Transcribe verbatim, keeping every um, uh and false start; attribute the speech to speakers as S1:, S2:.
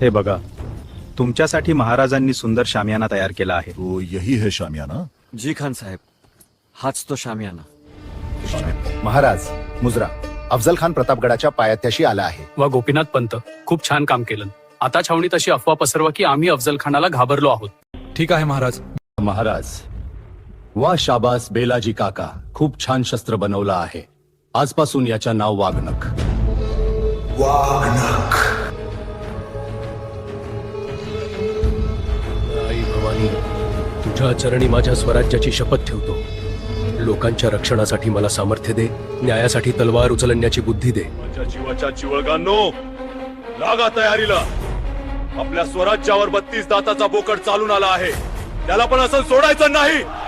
S1: हे बघा, तुमच्यासाठी महाराजांनी सुंदर शामियाना तयार केला आहे.
S2: तो यही है शामियाना?
S3: जी खान साहेब, हाच तो शामियाना.
S4: महाराज, मुजरा अफजल खान प्रतापगडाच्या पायथ्याशी आला आहे.
S5: वा गोपीनाथ पंत, खूप छान काम केलं. आता छावणीत अशी अफवा पसरवा की आम्ही अफजल खानाला घाबरलो आहोत.
S6: ठीक आहे महाराज.
S7: महाराज, वा शाबास बेलाजी काका, खूप छान शस्त्र बनवलं आहे. आजपासून याच्या नाव वाघनख.
S8: आई भवानी, तुझ्या चरणी माझ्या स्वराज्याची शपथ ठेवतो. लोकांच्या रक्षणासाठी मला सामर्थ्य दे, न्यायासाठी तलवार उचलण्याची बुद्धी दे.
S9: माझ्या जीवाच्या चिवळगांनो, लागा तयारीला. आपल्या स्वराज्यावर बत्तीस दाताचा बोकड चालून आला आहे, त्याला पण असं सोडायचं नाही.